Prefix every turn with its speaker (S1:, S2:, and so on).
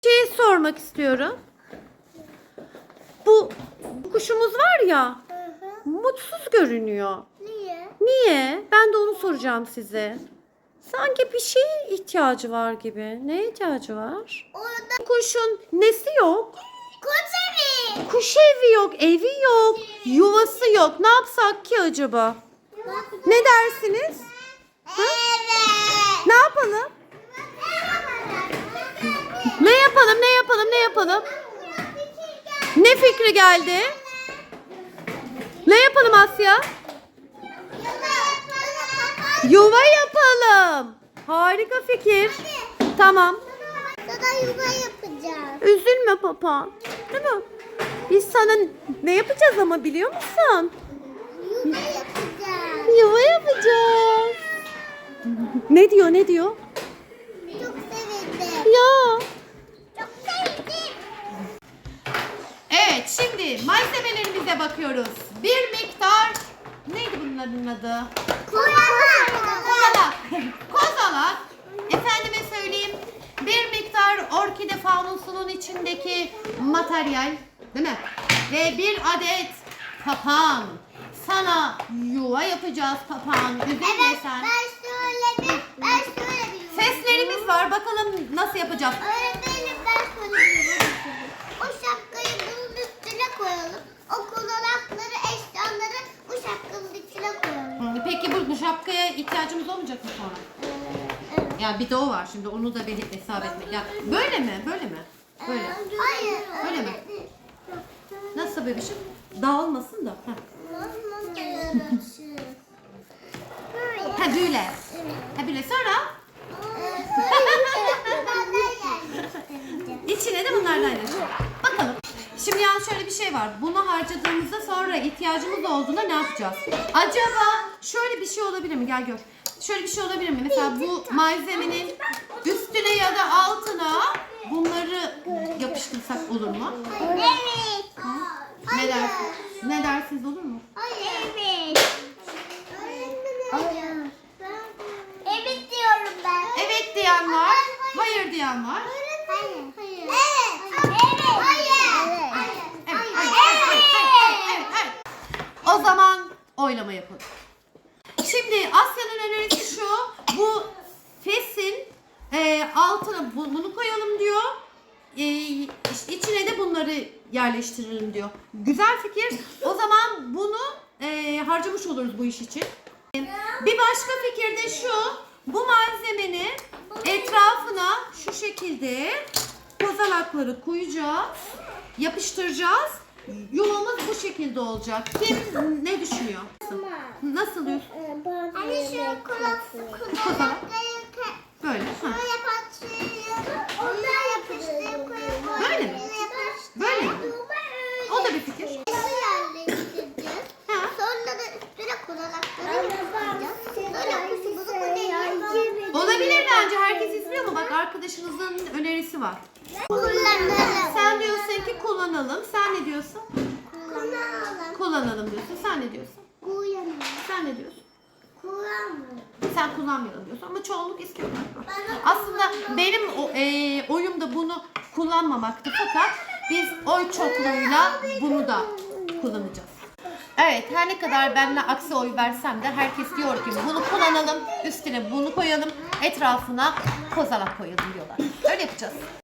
S1: Şey sormak istiyorum. Bu kuşumuz var ya, mutsuz görünüyor.
S2: Niye?
S1: Niye? Ben de onu soracağım size. Sanki bir şeye ihtiyacı var gibi. Neye ihtiyacı var?
S2: Orada
S1: Kuşun nesi yok?
S2: kuş evi.
S1: Kuş evi yok, evi yok, yuvası yok. Ne yapsak ki acaba? Ne dersiniz?
S2: Evet.
S1: Ne yapalım? Ne yapalım, ne yapalım, ne yapalım? Ne fikri geldi? Ne yapalım Asya? Yuva yapalım. Harika fikir. Tamam.
S2: Sana yuva yapacağız.
S1: Üzülme papa. Değil mi? Biz sana ne yapacağız ama biliyor musun?
S2: Yuva yapacağız.
S1: Yuva yapacağız. Ne diyor, ne diyor?
S2: Çok sevindim.
S1: Ya.
S2: Çok sevdim.
S1: Evet, şimdi malzemelerimize bakıyoruz. Bir miktar, neydi bunların adı? Kozalak. Kozalak. Efendime söyleyeyim. Bir miktar orkide faunusunun içindeki materyal, değil mi? Ve bir adet papağan. Sana yuva yapacağız papağan. Üzülme
S2: Evet,
S1: sen.
S2: ben şöyle bir
S1: Seslerimiz var. Bakalım nasıl yapacağız.
S2: Öğretmenim ben şöyle bir yuva yapacağım. O şapkayı bunun üstüne koyalım. O kulakları, eşyaları bu şapkanın içine koyalım.
S1: Peki bu şapkaya ihtiyacımız olmayacak mı sonra?
S2: Evet.
S1: Ya bir de o var şimdi onu da bir hesap etmek. Ya böyle mi? Böyle mi? Böyle.
S2: Hayır.
S1: Öyle mi? Nasıl bebişim? Dağılmasın da. Ha. Ha böyle. Ha böyle sonra içine de bunlardan yapacağız. Bakalım. Şimdi yalnız şöyle bir şey var. Bunu harcadığımızda sonra ihtiyacımız olduğunda ne yapacağız? Acaba şöyle bir şey olabilir mi? Gel gör. Şöyle bir şey olabilir mi? Mesela bu malzemenin üstüne ya da altına bunları yapıştırsak olur mu?
S2: Evet.
S1: Ne dersiniz? Ne dersiniz olur mu?
S2: Evet. Evet diyorum ben.
S1: Evet diyen var. Hayır diyen var.
S2: Hayır. Hayır. Evet. Evet. Hayır.
S1: Evet. O zaman oylama yapalım. Şimdi Asya'nın önerisi şu. Bu fesin altına bunu koyalım diyor. İşte içine de bunları yerleştirelim diyor. Güzel fikir. O zaman bunu harcamış oluruz bu iş için. Bir başka fikir de şu. Bu malzemenin etrafına şu şekilde kozalakları koyacağız. Yapıştıracağız. Yuvamız bu şekilde olacak. Kim ne düşünüyor? Nasıl diyorsun?
S2: Hani şu kulakları
S1: Böyle. Ha.
S2: böyle patlıyorum. Onlar yapıştırıp koyup
S1: Böyle mi? Böyle mi? O da bir fikir.
S2: yerleştireceğiz.
S1: Ha.
S2: Sonra da üstüne kulakları yapıştıracağız. Sonra kuşumuzu koyacağız.
S1: Olabilir bence. Herkes izliyor mu? Bak arkadaşınızın önerisi var.
S2: Kullanalım.
S1: Sen diyorsun ki kullanalım. Sen ne diyorsun?
S2: Kullanalım.
S1: Kullanalım diyorsun. Sen ne diyorsun?
S2: Kullanalım.
S1: Sen ne diyorsun?
S2: Kullanalım.
S1: Sen kullanmayalım diyorsun ama çoğunluk istiyor.
S2: Ben de
S1: Aslında benim oyum da bunu kullanmamaktı fakat biz oy çokluğuyla bunu da kullanacağız. Evet, her ne kadar benimle aksi oy versem de herkes diyor ki bunu kullanalım, üstüne bunu koyalım, etrafına kozalak koyalım diyorlar. Öyle yapacağız.